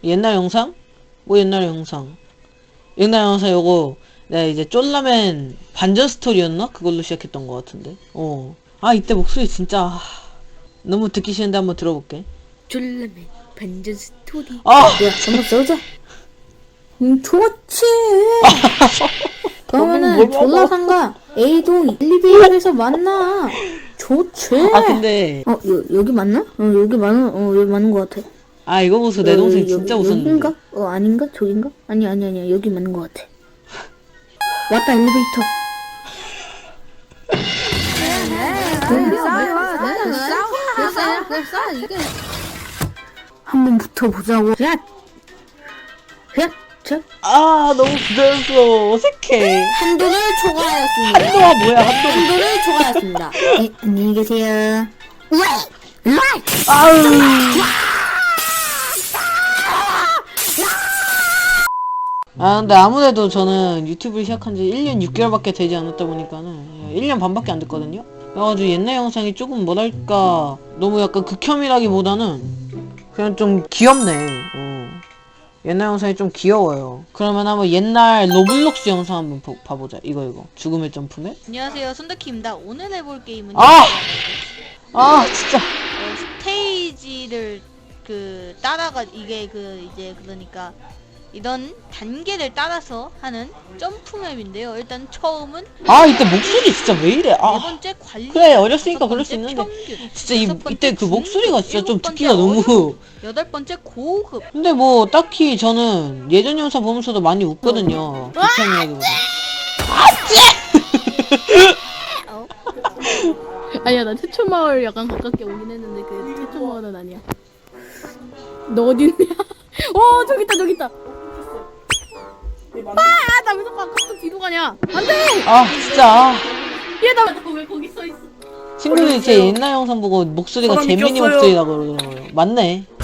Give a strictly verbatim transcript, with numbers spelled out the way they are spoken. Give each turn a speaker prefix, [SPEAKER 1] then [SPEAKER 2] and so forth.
[SPEAKER 1] 옛날 영상? 뭐 옛날 영상? 옛날 영상 요거 내가 이제 쫄라맨 반전 스토리였나? 그걸로 시작했던 것 같은데. 어. 아 이때 목소리 진짜 아, 너무 듣기 싫은데 한번 들어볼게.
[SPEAKER 2] 쫄라맨 반전 스토리.
[SPEAKER 1] 아!
[SPEAKER 2] 야, 한번 써자. 음, 좋지. 그러면은
[SPEAKER 1] 뭐라고?
[SPEAKER 2] 졸라상가 A동 엘리베이터에서 만나. 좋지.
[SPEAKER 1] 아 근데
[SPEAKER 2] 어, 여, 여기 맞나? 어, 여기 맞는, 어, 여기 맞는 것 같아.
[SPEAKER 1] 아 이거 보소 내 동생
[SPEAKER 2] 어,
[SPEAKER 1] 진짜
[SPEAKER 2] 여기,
[SPEAKER 1] 웃었는데.
[SPEAKER 2] 여긴가? 어, 아닌가? 저긴가? 아니, 아니, 아니야. 여기 맞는 것 같아. 왔다, 엘리베이터. 한번 붙어보자고. 야! 야! 자,
[SPEAKER 1] 아 너무 부자연스러워. 어색해.
[SPEAKER 2] 한도를 초과하였습니다.
[SPEAKER 1] 한도가 뭐야 한도.
[SPEAKER 2] 한도를 초과하였습니다. 네, 안녕히 계세요. 왜? 라이!
[SPEAKER 1] 아우. 아 근데 아무래도 저는 유튜브를 시작한 지 일 년 육 개월밖에 되지 않았다 보니까는 일 년 반밖에 안 됐거든요. 그래가지고 옛날 영상이 조금 뭐랄까 너무 약간 극혐이라기보다는 그냥 좀 귀엽네. 어. 옛날 영상이 좀 귀여워요. 그러면 한번 옛날 로블록스 영상 한번 보, 봐보자. 이거 이거 죽음의 점프맨.
[SPEAKER 3] 안녕하세요, 손덕희입니다. 오늘 해볼 게임은
[SPEAKER 1] 아! 아 진짜
[SPEAKER 3] 어, 스테이지를 그 따라가 이게 그 이제 그러니까 이런 단계를 따라서 하는 점프맵인데요. 일단 처음은
[SPEAKER 1] 아 이때 목소리 진짜 왜 이래.
[SPEAKER 3] 네
[SPEAKER 1] 아
[SPEAKER 3] 번째 관리,
[SPEAKER 1] 그래, 어렸으니까
[SPEAKER 3] 다섯
[SPEAKER 1] 그럴 수
[SPEAKER 3] 번째
[SPEAKER 1] 있는데
[SPEAKER 3] 평균,
[SPEAKER 1] 진짜 이,
[SPEAKER 3] 여섯 번째
[SPEAKER 1] 이때 그
[SPEAKER 3] 중급,
[SPEAKER 1] 목소리가 진짜 좀
[SPEAKER 3] 일곱 번째
[SPEAKER 1] 듣기가 너무
[SPEAKER 3] 어려움, 여덟 번째 고급.
[SPEAKER 1] 근데 뭐 딱히 저는 예전 영상 보면서도 많이 웃거든요. 비슷한 이야기보다.
[SPEAKER 3] 어?
[SPEAKER 4] 아니야, 나 태초마을 약간 가깝게 오긴 했는데 그 태초마을은 아니야. 너 어딨냐? 어, 저기 있다, 저기 있다. 아, 나 왜 자꾸 아까부터 뒤로 가냐? 안 돼!
[SPEAKER 1] 아 진짜
[SPEAKER 4] 얘, 나 왜 거기 서 있어?
[SPEAKER 1] 친구들이 제 옛날 영상 보고 목소리가
[SPEAKER 5] 사람이
[SPEAKER 1] 재민이
[SPEAKER 5] 꼈어요.
[SPEAKER 1] 목소리라고 그러더라고요. 맞네.